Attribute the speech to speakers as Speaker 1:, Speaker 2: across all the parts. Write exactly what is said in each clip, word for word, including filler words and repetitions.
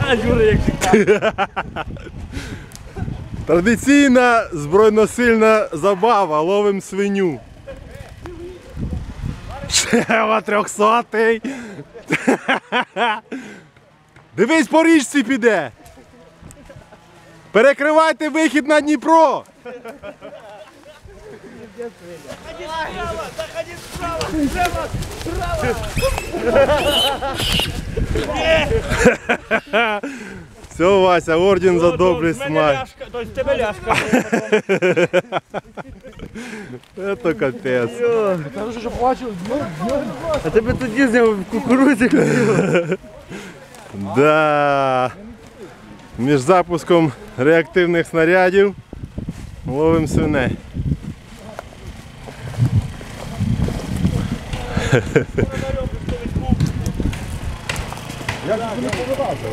Speaker 1: Юра, як завжди.
Speaker 2: Традиційна збройносильна забава, ловим свиню. Шева трьохсотий. Дивись, по річці піде. Перекривайте вихід на Дніпро.
Speaker 1: Заходи справа, справа, справа.
Speaker 2: Все, Вася, орден за доблесть мать.
Speaker 1: Тобто тебе ляшка.
Speaker 2: Это капець.
Speaker 3: Кажу, що плачу.
Speaker 1: А тебе тоді зняв в кукурудзі.
Speaker 2: Да. Між запуском реактивних снарядів ловим свиней.
Speaker 3: Як ти не повилазили?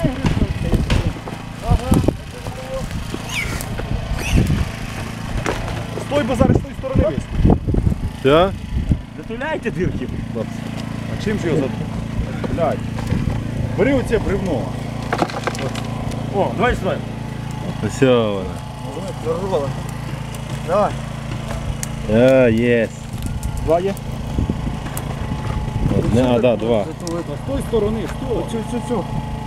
Speaker 3: Стой, бо зараз з тої сторони вийшли.
Speaker 2: Все?
Speaker 1: Затуляйте дірки.
Speaker 3: А чим ж його за... Блядь. Бери оце бревно.
Speaker 1: О, давай сюди.
Speaker 2: Все вона.
Speaker 1: Зарвала. Давай.
Speaker 2: А, єс.
Speaker 3: Два є?
Speaker 2: Одне, а, да, два.
Speaker 3: З тої сторони, стой. Цю, цю, цю.